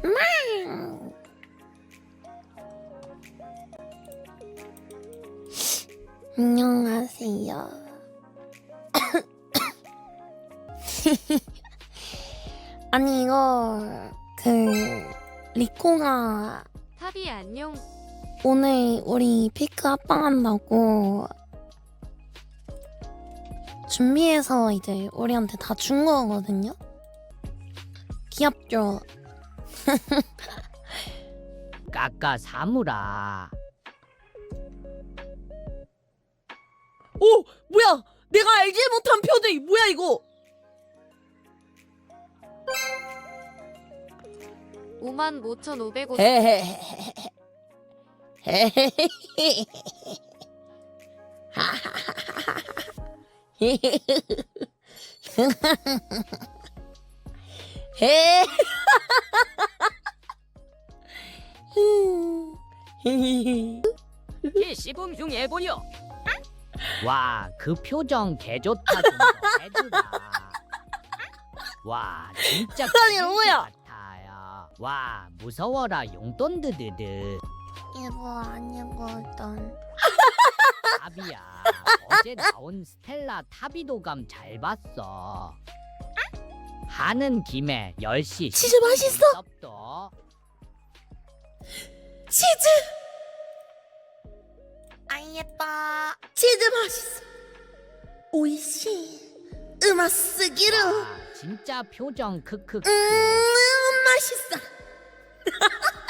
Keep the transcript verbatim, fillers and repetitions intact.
안녕하세요. 아니 이거 그 리코가 탑이 안녕. 오늘 우리 피크 합방한다고 준비해서 이제 우리한테 다 준 거거든요. 귀엽죠? 까까 사무라. 오! 뭐야! 내가 알지 못한 표정이 뭐야 이거! 오만 오천오백 원. 헤헤헤헤 헤헤헤헤 헤 시범 중 해보려. 와, 그 표정 개좋다 좀 더 해주라. 와, 진짜 아니, 뭐야? 같아요. 와, 무서워라 용돈 드드드. 이거 아니거든. 탑이야. 어제 나온 스텔라 타비도감 잘 봤어. 하는 김에 열 시 치즈 맛있어. 섭도. 치즈! 아 예뻐. 치즈 맛있어. 오이시 으마스기루. 와, 진짜 표정 크크크. 음 맛있어.